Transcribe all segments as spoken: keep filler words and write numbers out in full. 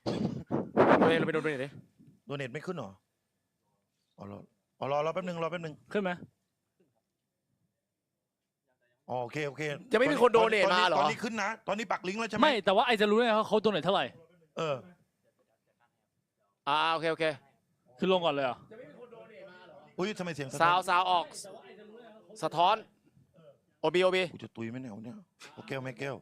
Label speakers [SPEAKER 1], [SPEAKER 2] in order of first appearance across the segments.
[SPEAKER 1] เราไปโดนโดนดิ
[SPEAKER 2] โดเนทไม่ขึ้นหรออ๋อรออ๋อรอรอแป๊บนึงรอแป๊บนึง
[SPEAKER 3] ขึ้นไหม
[SPEAKER 2] อ๋อโอเคโอเค
[SPEAKER 1] จะไม่มีคนโดเนทมาเหรอ
[SPEAKER 2] ตอนนี้ขึ้นนะตอนนี้ปักลิงก์แล้วใช่ไหม
[SPEAKER 3] ไม่แต่ว่าไอจะรู้ได้ไงว่าเขาโดนไหนเท่าไหร่
[SPEAKER 2] เออ
[SPEAKER 1] อ่าโอเคโอเค
[SPEAKER 3] คือลงก่อนเลยเหรอ
[SPEAKER 2] อุ้ยทำไมเสียง
[SPEAKER 1] ซาวซาวออกสะท้อนโอบีโอบี
[SPEAKER 2] กูจะตุยไหมเนี่ยเนี่ยโอแก้วแม่แก้ว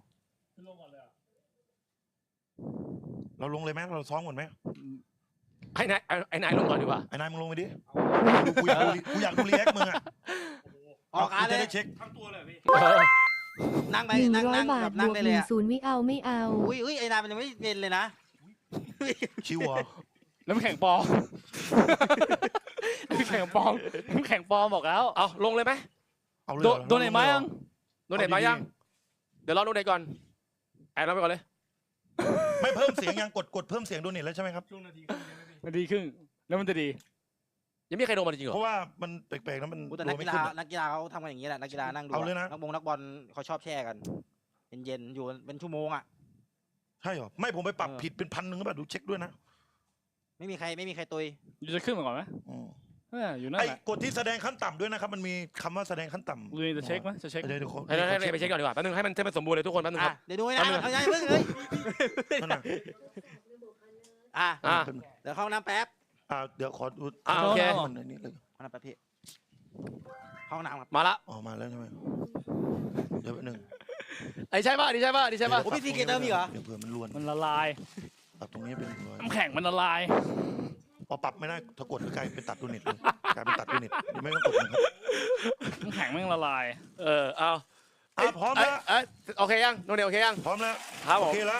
[SPEAKER 2] เราลงเลยไหมเราซ้อมก่อนไหม
[SPEAKER 1] ไอ้นายไอ้นายลงก่อนดีกว่า
[SPEAKER 2] ไอ้นายมึงลงไปดิกูอยากดูกูอยากดูรีแอคมึงอ่ะ
[SPEAKER 4] ออกการเลย
[SPEAKER 2] จะได้เช็ค
[SPEAKER 5] ทั้งตัวเลยพี่
[SPEAKER 4] นั่งไป
[SPEAKER 6] หนึ่ง
[SPEAKER 4] นั่ง
[SPEAKER 6] ร้อย
[SPEAKER 4] นั่ง
[SPEAKER 6] บา
[SPEAKER 4] แบ
[SPEAKER 6] ท
[SPEAKER 4] บบ นั่ง
[SPEAKER 6] วก
[SPEAKER 4] ได้
[SPEAKER 6] ห
[SPEAKER 4] เลย
[SPEAKER 6] นึ่ง
[SPEAKER 4] อะ
[SPEAKER 6] ศูนย์ไม่เอาไม่เอา
[SPEAKER 4] อุ้ยอุ้ยไอ้นายมันยังไม่เป็นเลยนะ
[SPEAKER 2] ชิวเหรอ
[SPEAKER 3] น้ำแข็งปลอม น้ำแข็งปลอมน้ำแข็งปลอมบอกแล้ว
[SPEAKER 1] เอาลงเลยไหม
[SPEAKER 2] เอาเลย
[SPEAKER 3] โด
[SPEAKER 2] เหรอ
[SPEAKER 3] โดนไหนมายัง
[SPEAKER 1] โดนเน็ตมายังเดี๋ยวรอโดนเน็ตก่อนแอนเราไปก่อนเลย
[SPEAKER 2] ไม่เพิ่มเสียงยังกดกดเพิ่มเสียงโดเนทแล้วใช่ไหมครับ
[SPEAKER 5] ช่วงนาทีครึ่งยังไม่พี่
[SPEAKER 3] มันดีขึ้นแล้วมันจะดี
[SPEAKER 1] ยังไม่มีใครโดนมาจริงเหร
[SPEAKER 2] เพ
[SPEAKER 1] อ
[SPEAKER 2] ราะว่ามันแปลกๆนะมัน
[SPEAKER 4] กูแต่
[SPEAKER 2] โด
[SPEAKER 4] นัก
[SPEAKER 2] นไม่
[SPEAKER 4] กีฬา
[SPEAKER 2] ขึ้นอะ
[SPEAKER 4] นักกีฬาเขาทำกันอย่างนี้แหละนักกีฬานั่งดู
[SPEAKER 2] เอาเลยนะ
[SPEAKER 4] นักบงนักบอลเขาชอบแช่กันเย็นๆอยู่เป็นชั่วโมงอ่ะ
[SPEAKER 2] ใช่เหรอไม่ผมไปปรับ
[SPEAKER 4] เออ
[SPEAKER 2] ผิดเป็นพันหนึ่งก็แบบดูเช็คด้วยนะ
[SPEAKER 4] ไม่มีใครไม่มีใครตุย
[SPEAKER 3] อยู่จะขึ้นมาก่อนไหม
[SPEAKER 2] อืม
[SPEAKER 3] เอออยู่นั่น
[SPEAKER 2] ไอ้
[SPEAKER 3] แหละ
[SPEAKER 2] กดที่แสดงขั้นต่ำด้วยนะครับมันมีคำว่าแสดงขั้นต่ำ
[SPEAKER 3] ดูจะเช็คไหมจะเช็ค
[SPEAKER 2] เดี๋ยวเดี๋ยวขอ
[SPEAKER 1] ให้ให้ให้ไปเช็คก่อนดีกว่าแป๊บนึงให้มันให้มันสมบูรณ์เลยทุกคนแป๊บนึงค
[SPEAKER 4] อ่ะ
[SPEAKER 1] รับ
[SPEAKER 4] เดี๋ยวดูให้นะ
[SPEAKER 1] เอาเลย
[SPEAKER 4] เอาไงเพิ่งเฮ้ย
[SPEAKER 2] นั่นน่ะ
[SPEAKER 4] อ่ะ
[SPEAKER 1] อ่า
[SPEAKER 4] เดี๋ยวเข้าห้องน้ำแป๊บ
[SPEAKER 2] อ่าเดี๋ยวขอดู
[SPEAKER 1] อ่าโอเค
[SPEAKER 2] มันอันนี้เลย
[SPEAKER 4] ห้องน้ำแป๊บพี่เข้าห้องน้ำครับ
[SPEAKER 1] มาละ
[SPEAKER 2] ออกมาแล้วใช่ไหมเดี๋ยวแป๊บนึง
[SPEAKER 1] ไอ้ใช่ป่ะนี่ใช่ป่ะนี่ใช่ป่ะ
[SPEAKER 4] โอ้พี่ซีเกตเติมอีกเหรอ
[SPEAKER 2] เดี๋ยวเผื่อมันล้วน
[SPEAKER 3] มันละลาย
[SPEAKER 2] ปรับตรงนี้เป็นหนึ่งร้อย
[SPEAKER 3] น้ำแข็งมันละลาย
[SPEAKER 2] พอปรับไม่ได้ถ้ากดก็กลายเป็นตัดดูเน็ตเลยกลายเป็นตัดดูเน็ตไม่ต้องกดนะครับ
[SPEAKER 3] น้ำแข็งแม่งละลาย
[SPEAKER 1] เออเอา
[SPEAKER 2] อ่ะพร้อมแล้ว
[SPEAKER 1] เอ้ยโอเคยังโดนเน็ตโอเคยัง
[SPEAKER 2] พร้อมแล้ว
[SPEAKER 1] ครับผ
[SPEAKER 2] โอ
[SPEAKER 1] ม
[SPEAKER 2] เคแล้ว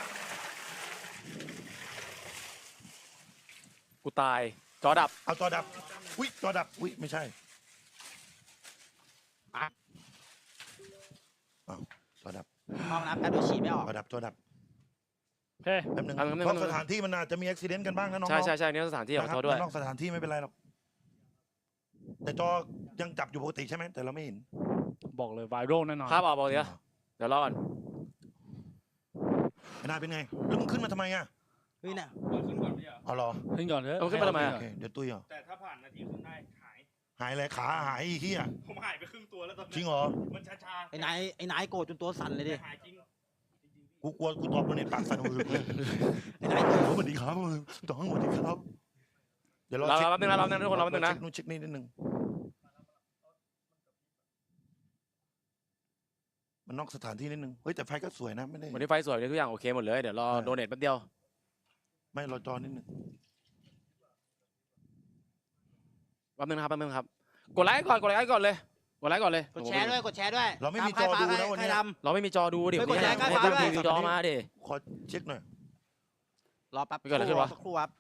[SPEAKER 1] กูตายจอดับ
[SPEAKER 2] เอาจอดับอุ้ยจอดับอุ้ยไม่ใช่อ้าวจอดับ
[SPEAKER 4] ห้องน้ำแป๊บเดี๋ยวฉีดไม่ออก
[SPEAKER 2] จอดับจอดับ
[SPEAKER 3] โอเค
[SPEAKER 2] แป๊บนึง
[SPEAKER 1] เอาแป๊บนึง
[SPEAKER 2] เพราะสถานที่มันอาจจะมีอุบิเหตุกันบ้างนะน้องๆ
[SPEAKER 1] ใช่ใช่ใช่นี่สถานที่ขอ
[SPEAKER 2] นะค
[SPEAKER 1] โท
[SPEAKER 2] รับ
[SPEAKER 1] ษด้วย
[SPEAKER 2] นอกสถานที่ไม่เป็นไรหรอกแต่จอยังจับอยู่ปกติใช่ไหมแต่เราไม่เห็น
[SPEAKER 3] บอกเลยไวรัลแน่นอน
[SPEAKER 1] ครับเอาบอกเดี๋ยวเดี๋ยวรอก่อน
[SPEAKER 2] ไม่น่าเป็นไงแล้วมึงขึ้นมาทำไมอ่ะ
[SPEAKER 4] เฮ้ยเนี่ย
[SPEAKER 5] เปิดขึ้นก่อนพี่อ่ะ
[SPEAKER 2] เอาเหรอ
[SPEAKER 3] ขึ้นก่อนเถอะ
[SPEAKER 1] เอาขึ้นมาทำไม
[SPEAKER 2] โอ
[SPEAKER 1] อะ
[SPEAKER 2] เคเดี๋ยวตุ้ยเหรอ
[SPEAKER 5] แต่ถ้าผ่านนาทีครึ่งได้หาย
[SPEAKER 2] หายอะไรขาหายไอ้เหี้ย
[SPEAKER 5] ผมหายไปครึ่งตัวแล้วตอน
[SPEAKER 2] จริ
[SPEAKER 5] นี้
[SPEAKER 2] งเหรอ
[SPEAKER 5] มันชาชา
[SPEAKER 4] ไอ้นายไอ้นายโกรธจนตัวสั่นเลยดิ
[SPEAKER 5] หายจริง
[SPEAKER 2] กูกลัวกูตอบโดนเน็ตปากสั่นมือเลย
[SPEAKER 4] ไอ้นายโกรธ
[SPEAKER 2] สวัสดีครับมือต้องสวัสดีครับเดี๋ยวรอ
[SPEAKER 1] รอ
[SPEAKER 2] เช็ค
[SPEAKER 1] แป๊บนึงนะรอแป๊บนึงทุกคนรอแป๊บนึงนะ
[SPEAKER 2] เช็คนู่นเช็คนี่นิดนึงมันนอกสถานที่นิดนึงเฮ้ยแต่ไฟก็สวยนะไม่ได้
[SPEAKER 1] วันนี้ไฟสวยเลยทุกอย่างโอเคหมดเลยเดี๋ยวรอโดนเน็ตแป๊บเดียว
[SPEAKER 2] ไม่รอจอนิดนึง
[SPEAKER 1] แป๊บนึงนะครับแป๊บนึงครับกดไลค์ก่อนกดไลค์ก่อนเลยกดไลค์ก่อนเลย
[SPEAKER 4] กดแชร์ด้วยกดแชร์ด้วย
[SPEAKER 2] เราไม่มีจ
[SPEAKER 4] ตา
[SPEAKER 2] อ
[SPEAKER 4] ใคร
[SPEAKER 2] ดู
[SPEAKER 4] ฟ้า
[SPEAKER 2] นะวัน
[SPEAKER 4] ใคร
[SPEAKER 2] นี้
[SPEAKER 4] ด
[SPEAKER 1] เราไม่มีจอดูดิ
[SPEAKER 4] ไม่กดแชร์
[SPEAKER 1] ไม่
[SPEAKER 4] ก็
[SPEAKER 1] ได้
[SPEAKER 4] ฟ้าด้วย
[SPEAKER 1] มีจอมาดิ
[SPEAKER 2] ขอเช็คหน่อย
[SPEAKER 4] ำรอแป๊บ
[SPEAKER 1] ไม่เกิดอะไรขึ้นวะ
[SPEAKER 4] สักครู่ครับ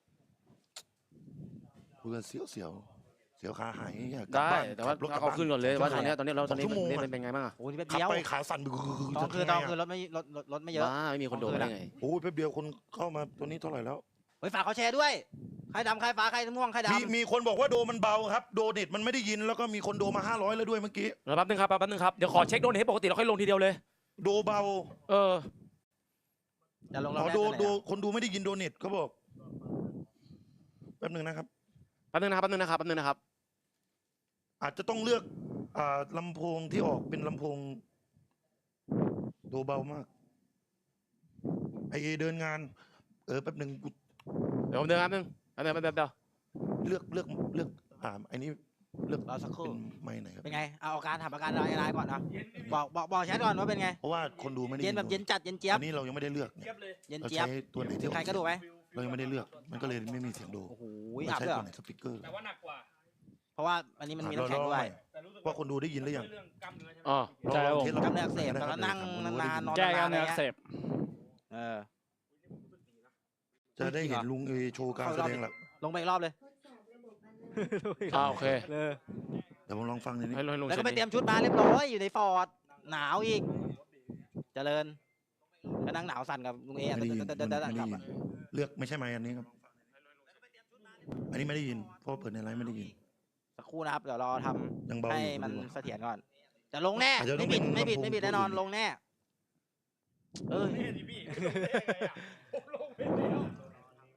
[SPEAKER 2] กูจะเสียวเสียวเสียวขาหายอยากกลับ
[SPEAKER 1] ได้
[SPEAKER 2] บ้าน
[SPEAKER 1] แต่ว่า
[SPEAKER 2] ขับรถกลับ
[SPEAKER 1] เอา
[SPEAKER 2] บ้าน
[SPEAKER 1] ขึ้นก่อนเลยว่าตอนนี้ตอนนี้เราตอนนี้
[SPEAKER 2] สองชั่วโมง
[SPEAKER 1] เป็น
[SPEAKER 2] อะ
[SPEAKER 1] เป็นไงบ้างอะ
[SPEAKER 4] โอ้โหนี่แป๊บ
[SPEAKER 2] ขับ
[SPEAKER 4] เดียว
[SPEAKER 2] ไปขาสั่น
[SPEAKER 4] ตอนคืนตอนคืนรถไม่รถรถรถไม่เยอะ
[SPEAKER 1] บ้าไม่มีคนโดนได้ไง
[SPEAKER 2] โอ้ยแป๊บเดียวคนเข้ามาตัวนี้เท่าไหร่แล้ว
[SPEAKER 4] เฮ้ยฝากเขาแชร์ด้วยใครดำใครฟ้าใครม่วงใคร
[SPEAKER 2] มี
[SPEAKER 4] ดำ
[SPEAKER 2] มีคนบอกว่าโดมันเบาครับโดเน็ตมันไม่ได้ยินแล้วก็มีคนโดมาห้าร้อยแล้วด้วยเมื่อกี้
[SPEAKER 1] รอแป๊บนึงครับแป๊บนึงครับเดี๋ยวขอเช็คโดนเน็ตให้ปกติเราค่อยลงทีเดียวเลย
[SPEAKER 2] โดเบา
[SPEAKER 1] เออ
[SPEAKER 4] จะลง
[SPEAKER 2] อ๋
[SPEAKER 4] เรา
[SPEAKER 2] อ
[SPEAKER 4] แรก
[SPEAKER 2] โด
[SPEAKER 4] ได้เลย
[SPEAKER 2] โด
[SPEAKER 4] อะ
[SPEAKER 2] คนดูไม่ได้ยินโดเน็ตเขาบอกแป๊บหนึ่งนะครับ
[SPEAKER 1] แป๊บนึงนะครับแป๊บนึงนะครับแป๊บนึงนะครับ
[SPEAKER 2] อาจจะต้องเลือกอ่าลำโพงที่ออกเป็นลำโพงโดเบามากไอเอเดินงาน เออแป๊บหนึ่งกู
[SPEAKER 1] เดี๋ยวผมเดินครับนึงแป๊บนึงแป๊บนึงแป๊บเดียว
[SPEAKER 2] เลือกเลือกเลือกอ่าไอ้นี้เลือก
[SPEAKER 4] รอสักครู่
[SPEAKER 2] เป็นไม้ไหนครับ
[SPEAKER 4] เป็นไงเอาอาการถามอาการอะไรอะไรก่อนนะบอกบอกบอกแชทก่อนว่าเป็นไง
[SPEAKER 2] เพราะว่าคนดูไม่ได้
[SPEAKER 4] เย็นแบบเย็นจัดเย็นเจี๊ยบ
[SPEAKER 2] อันนี้เรายังไม่ได้เลือกเนี่ย
[SPEAKER 5] เทียบเลย
[SPEAKER 4] เย็น
[SPEAKER 2] เรา
[SPEAKER 4] เจี๊ยบ
[SPEAKER 2] ใช้ตัวไหนที่
[SPEAKER 4] ใครก็ดูไหม
[SPEAKER 2] เรายังไม่ได้เลือก มันก็เลยไม่มีเสียงโด
[SPEAKER 4] โอ้โห
[SPEAKER 2] เรา
[SPEAKER 4] อับ
[SPEAKER 2] ใช้
[SPEAKER 4] ด้วยเหร
[SPEAKER 2] ตัว
[SPEAKER 4] อ
[SPEAKER 2] ไหนสปีกเกอร์
[SPEAKER 5] แต่ว่าหนักกว่า
[SPEAKER 4] เพราะว่าอันนี้มันมี
[SPEAKER 2] อ่ะ
[SPEAKER 4] น้ำแข็ง
[SPEAKER 2] รอ
[SPEAKER 4] ด้วย
[SPEAKER 5] แต่รู้สึก
[SPEAKER 2] ว่าคนดูได้ยินหรือยัง
[SPEAKER 5] เรื่องกล้ามเนื้อใช่ไหม
[SPEAKER 1] อ๋อ
[SPEAKER 3] ใช่ครับผม
[SPEAKER 2] ลอง
[SPEAKER 4] กล้ามเนื้ออักเสบ
[SPEAKER 2] ท
[SPEAKER 4] ตอนนั้นนั่งนานๆนอน
[SPEAKER 3] แก้กล้าม
[SPEAKER 4] ๆ
[SPEAKER 3] เนื้ออักเสบ
[SPEAKER 4] เออ
[SPEAKER 2] จะได้เห็นลุงเอโชว์การแสดงหลัก
[SPEAKER 4] ลงไปอีกรอบเลย
[SPEAKER 1] อ่าโอเค
[SPEAKER 4] เออ
[SPEAKER 2] เดี๋ยวผมลองฟังนิดนึง
[SPEAKER 1] ให้ลงให้ลง
[SPEAKER 4] แล้วก็ไป
[SPEAKER 1] เช็ค
[SPEAKER 4] เตรียมชุดมาเรียบร้อยอยู่ในฟอร์ดหนาวอีก เจริญก็นั่งหนาวสั่นกับลุงเอ
[SPEAKER 2] ไม่ได้ยิน
[SPEAKER 4] เดิ
[SPEAKER 2] มัน
[SPEAKER 4] น
[SPEAKER 2] ไม่
[SPEAKER 4] ๆ
[SPEAKER 2] ได้
[SPEAKER 4] ๆกลับ
[SPEAKER 2] ยิน
[SPEAKER 4] อะ
[SPEAKER 2] เลือกไม่ใช่ไมค์อันนี้ครับ อันนี้ไม่ได้ยิน เพราะเปิดในไลฟ์ไม่ได้ยิน
[SPEAKER 4] สักครู่นะครับเดี๋ยวรอท
[SPEAKER 2] ยัง
[SPEAKER 4] ำ
[SPEAKER 2] เบาอ
[SPEAKER 4] ให้
[SPEAKER 2] ยู่
[SPEAKER 4] มัน
[SPEAKER 2] ดูว่า
[SPEAKER 4] เสถียรก่อนจะลงแน่
[SPEAKER 2] อาจจะต้
[SPEAKER 4] ไม่
[SPEAKER 2] อง
[SPEAKER 4] บิด
[SPEAKER 2] เป็น
[SPEAKER 4] ไม่บิด
[SPEAKER 2] ลำโพง
[SPEAKER 4] ไม่บิด
[SPEAKER 2] ตัว
[SPEAKER 4] แน่นอน
[SPEAKER 2] อื่น
[SPEAKER 4] ลงแน่เออ
[SPEAKER 5] นี่ดิพี่ผมลงไปได้ไงอ่ะผมลงไปแล้ว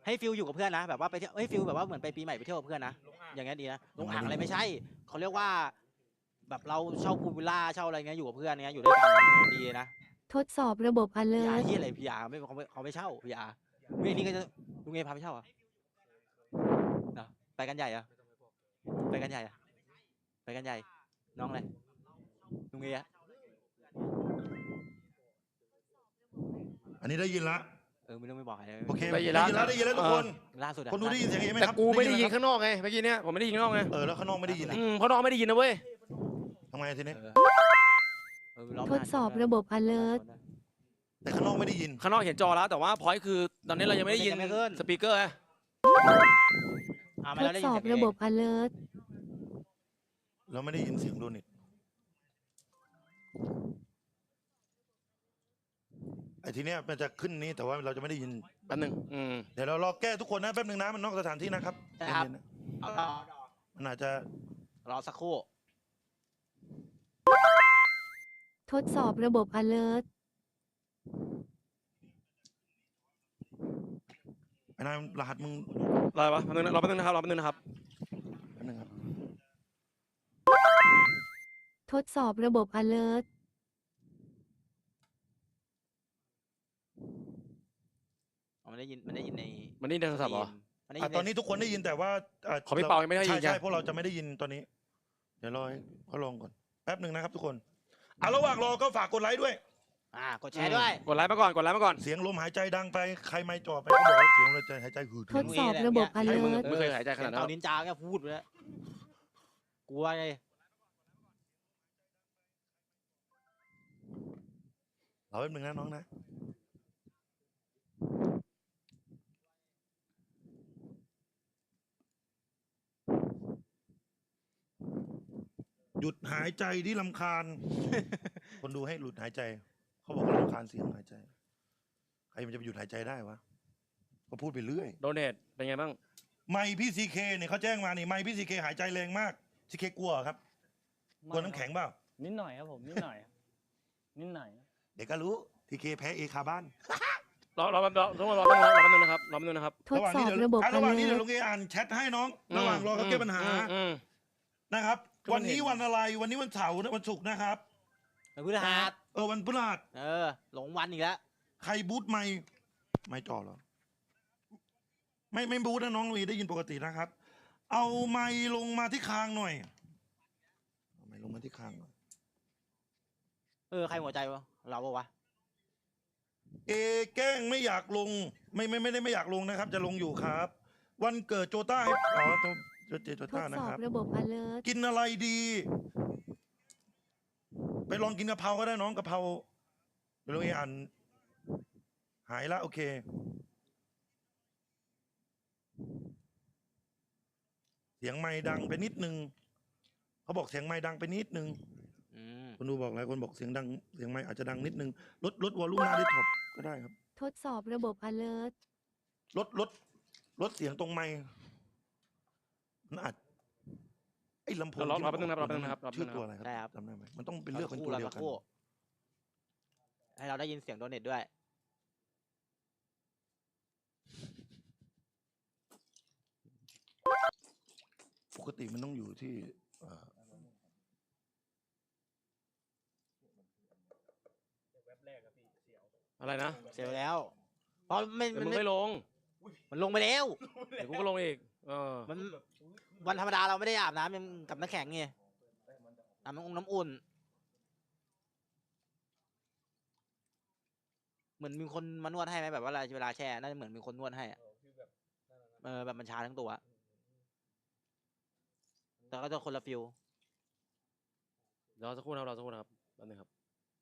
[SPEAKER 4] ให้ฟิลอยู่กับเพื่อนนะแบบว่าไปเที่ยวเอ้ยฟิลแบบว่าเหมือนไปปีใหม่ไปเที่ยวกับเพื่อนนะ
[SPEAKER 5] ลงอ่าง
[SPEAKER 4] อย่างเงี้ยดีนะลงอ่างอะไรไม่ใช่เขาเรียกว่า แบบเราเช่าพูลวิลล่าเช่าอะไรเงี้ยอยู่กับเพื่อนเงี้ยอยู่ด้วยกันดีนะ
[SPEAKER 6] ทดสอบระบบ
[SPEAKER 4] พีอา
[SPEAKER 6] alert
[SPEAKER 4] ที่อะไรพีอาไม่เขาไม่เขาไม่เช่าพีอาเฮ้ยนี่ก็จะลุงเอพาไปเช่าเหรอ่ะนะไปกันใหญ่อะไปกันใหญ่อะไปกันใหญ่น้องอะไรลุงเออะ
[SPEAKER 2] อันนี้ได้ยินละ
[SPEAKER 4] เออไม่ต้องไม่บอกใครเลย
[SPEAKER 2] โอเค
[SPEAKER 1] ได้
[SPEAKER 2] ได้
[SPEAKER 1] ยิ
[SPEAKER 2] ยิ
[SPEAKER 1] น
[SPEAKER 2] น
[SPEAKER 1] ละ
[SPEAKER 2] แล้วได้ยินแล้วทุกคน
[SPEAKER 4] ล่าสุดอะ
[SPEAKER 2] คนดูได้ยินเสียงเอไหม
[SPEAKER 1] แต่
[SPEAKER 2] ครับ
[SPEAKER 1] กูไม่ได้ยิน
[SPEAKER 2] ครับ
[SPEAKER 1] ข้างนอกไงเมื่อกี้เนี้ยผมไม่ได้ยินข้างนอกไง
[SPEAKER 2] เออแล้วข้างนอกไม่ได้ยินอะ
[SPEAKER 1] อืมเพราะน้องไม่ได้ยินนะเว้ย
[SPEAKER 2] ทำไงทีนี้
[SPEAKER 4] เออเออร้ง
[SPEAKER 6] ทดสอบระบบ alert
[SPEAKER 2] แต่ข้างนอกไม่ได้ยิน
[SPEAKER 1] ข้างนอกเห็นจอแล้วแต่ว่าพอยคือตอนนี้เรายังไม่ได้ยินสปีกเกอร์ไง
[SPEAKER 4] อ่า
[SPEAKER 6] ท
[SPEAKER 4] ไม่
[SPEAKER 6] ด
[SPEAKER 4] ได้
[SPEAKER 6] ส
[SPEAKER 4] ยิน
[SPEAKER 6] อบ
[SPEAKER 4] เสียง
[SPEAKER 6] ระ
[SPEAKER 4] เอ
[SPEAKER 6] บบ alert
[SPEAKER 2] เราไม่ได้ยินเสียงโดนิตไอ้ทีเนี้ยมันจะขึ้นนี้แต่ว่าเราจะไม่ได้ยิน
[SPEAKER 1] แป๊บนึงอืม
[SPEAKER 2] เดี๋ยวเรารอแก้ทุกคนนะแป๊บนึงนะมันนอกสถานที่นะครับ
[SPEAKER 4] นะครับ
[SPEAKER 2] เย็นๆนะ
[SPEAKER 4] เอารอ
[SPEAKER 2] มันอาจจะ
[SPEAKER 4] รอสักครู่
[SPEAKER 6] ทดสอบระบบ alert
[SPEAKER 2] ไอ้นายรหัสมึง
[SPEAKER 1] รอปะแป๊บนึงนะรอแป๊บนึงนะครับรอแป๊บนึงนะครับ
[SPEAKER 2] แป๊บนึงครับ
[SPEAKER 6] ทดสอบระบบ alert
[SPEAKER 4] อ๋อมันได้ยินมันได้ยินใน
[SPEAKER 1] มันนี่ในโทรศัพท์เหรอ
[SPEAKER 4] มันได้ยิ
[SPEAKER 2] อ่ะ
[SPEAKER 4] น
[SPEAKER 2] ตอนนี้ทุกคนได้ยินแต่ว่าะ
[SPEAKER 1] ของพี่เปายังไม่ได้ยิน
[SPEAKER 2] ใช่
[SPEAKER 1] ไง
[SPEAKER 2] ใช่พวกเราจะไม่ได้ยินตอนนี้ เดี๋ยวรอให้เขาลองก่อนแป๊บหนึ่งนะครับทุกคนอ่ะระหว่างรอก็ฝากกดไลค์ด้วย
[SPEAKER 4] อ่ากดแชร์ด้วย
[SPEAKER 1] กดไลค์มาก่อนกดไลค์มาก่อน
[SPEAKER 2] เสียงลมหายใจดังไปใครไม่จ่อไปก็บอกว่าเสียงลมหายใจหืด
[SPEAKER 6] ทดสอบระบบ
[SPEAKER 1] ใช่มึง
[SPEAKER 6] alert
[SPEAKER 1] ไม่เคยหายใจขนาดนั้นหร
[SPEAKER 4] เตา
[SPEAKER 1] อก
[SPEAKER 4] นินจาแค่พูดไปแล้วกลัวไง
[SPEAKER 2] รอแป๊บหนึ่งนะน้องนะหยุดหายใจที่ลำคาญ คนดูให้หลุดหายใจ เขาบอกว่าลำคาญเสียงหายใจ ใครมันจะไปหยุดหายใจได้วะก็พูดไปเรื่อย
[SPEAKER 1] โดเนทเป็นไงบ้าง
[SPEAKER 2] ไมค์พี่ซีเคเนี่ยเขาแจ้งมานี่ไมค์พี่ซีเคหายใจแรงมากซีเคกลัวเหรอครับกลัวน้ำแข็งเปล่า
[SPEAKER 3] นิดหน่อยครับผมนิดหน่อยนิดหน่อย
[SPEAKER 2] เดี๋ยวก็รู้ทีเคแพ้เอคาบ้าน
[SPEAKER 1] รอรอแป๊บรอรอรอแป๊บนึงรอแป๊บนึงนะครับรอแป๊บนึงนะครับ
[SPEAKER 6] ทดสอบระบบ
[SPEAKER 2] อ่ะระหว่างนี้เดี๋ยว
[SPEAKER 6] alert
[SPEAKER 2] ลุงเออ่านแชทให้น้อง ระหว่างรอเขาแก้ปัญหา
[SPEAKER 1] อืมอืม
[SPEAKER 2] นะครับ
[SPEAKER 1] ก็มั
[SPEAKER 2] วัน
[SPEAKER 1] นเห็น
[SPEAKER 2] นี้วันอะไรวันนี้วันเสาร์นะวันศุกร์นะครับ
[SPEAKER 4] มันพฤหัส
[SPEAKER 2] เออวันพฤหัส
[SPEAKER 4] เออ หลงวันอีกแล้ว
[SPEAKER 2] ใครบูทไม่ไม่จ่อเหรอไม่ไม่บูทนะน้องลุยได้ยินปกตินะครับ เอาไม้ลงมาที่คางหน่อยเอาไม้ลงมาที่คางหน่อย
[SPEAKER 4] เออ ใครหัวใจวะ เราปะวะ
[SPEAKER 2] เอแกล้งไม่อยากลง ไม่ไม่ไม่ได้ไม่อยากลงนะครับ จะลงอยู่ครับ วันเกิดโจต้าให้อ๋อโจโจเจโจ
[SPEAKER 6] ท
[SPEAKER 2] ต้า
[SPEAKER 6] ด
[SPEAKER 2] นะ
[SPEAKER 6] สอ
[SPEAKER 2] ค
[SPEAKER 6] บ
[SPEAKER 2] รับ
[SPEAKER 6] ระบบ alert
[SPEAKER 2] กินอะไรดี ไปลองกินกะเพราก็ได้น้องกะเพราเดี๋ยวเราอ่าน หายละโอเค เสียงไม้ดังไปนิดนึงเขาบอกเสียงไม้ดังไปนิดนึง
[SPEAKER 4] อืม
[SPEAKER 2] คนดูบอกหลายคนบอกเสียงดังเสียงไม้อาจจะดังนิดนึงลดลดวอลลุ่มหน้าดิสท็อปก็ได้ครับ
[SPEAKER 6] ทดสอบระบบ alert
[SPEAKER 2] ลดลดลดเสียงตรงไม้มันอาจไอ้ลำโพง
[SPEAKER 1] รอ
[SPEAKER 2] ที่
[SPEAKER 1] รอแป๊บนึงนะครับรอแป๊บนึงนะครับรอแป๊บนึ
[SPEAKER 2] ชื่อง
[SPEAKER 1] นะครับ
[SPEAKER 2] ตัวอะไร
[SPEAKER 4] ได้ครับ
[SPEAKER 2] จำได้ไหมมันต้องเป็น
[SPEAKER 4] สั
[SPEAKER 2] เลือกเป็นตัวเดียว
[SPEAKER 4] สั
[SPEAKER 2] กัน
[SPEAKER 4] คู่ให้เราได้ยินเสียงโดเนทด้วย
[SPEAKER 2] ปกติมันต้องอยู่ที่เอ่อ
[SPEAKER 1] อะไรนะ
[SPEAKER 4] เสียไปแล้ว เพราะไม่
[SPEAKER 1] เดี๋ยว
[SPEAKER 4] มัน
[SPEAKER 1] มึง
[SPEAKER 4] ไม่
[SPEAKER 1] ไม่ลง
[SPEAKER 4] มันลงไปแล้ว
[SPEAKER 1] เดี๋ยวกูก็ลงอีกเออ
[SPEAKER 4] มันวันธรรมดาเราไม่ได้อาบน้ำยังกับน้ำแข็งไงอาบน้ำองน้ำอุ่น เหมือนมีคนมานวดให้ไหมแบบว่าเวลาแช่น่าจะเหมือนมีคนนวดให้อะเออแบบมันชาทั้งตัว แต่ก็จะคนละฟิล
[SPEAKER 1] รอสักครู่นะครับรอสักครู่นะครับแป๊บนึงครับ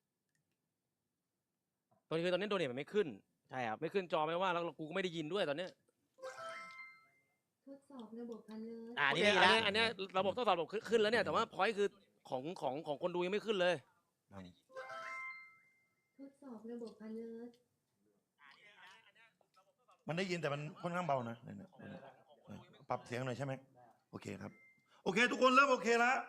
[SPEAKER 1] ตอนนี้คือตอนนี้โดเนทมันไม่ขึ้น
[SPEAKER 4] ใช่ครับ
[SPEAKER 1] ไม่ขึ้นจอไม่ว่าแล้วกูก็ไม่ได้ยินด้วยตอนเนี้ย
[SPEAKER 6] ทดสอบระบบ alert
[SPEAKER 4] อ่า
[SPEAKER 1] โอ
[SPEAKER 4] นี่
[SPEAKER 1] เค
[SPEAKER 4] ดี
[SPEAKER 1] อัน
[SPEAKER 4] แล้ว
[SPEAKER 1] เนี้ยอันเนี้ยระบบทดสอบระบบขึ้นแล้วเนี่ยแต่ว่าพอยคือของของของคนดูยังไม่ขึ้นเลย
[SPEAKER 6] ทดสอบระบบ alert
[SPEAKER 2] มันได้ยินแต่มันค่อนข้างเบานะเนี่ยเนี่ยเนี่ยปรับเสียงหน่อยใช่ไหมโอเคครับ โอเค ทุกคนเริ่มโอเคแล้ว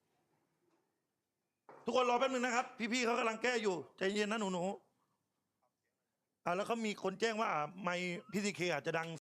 [SPEAKER 2] ทุกคนรอแป๊บนึงนะครับ พี่ๆเขากำลังแก้อยู่ใจเย็นนะหนูๆอ่าแล้วเขามีคนแจ้งว่าอ่าไมค์พี่ซีเคอาจจะดัง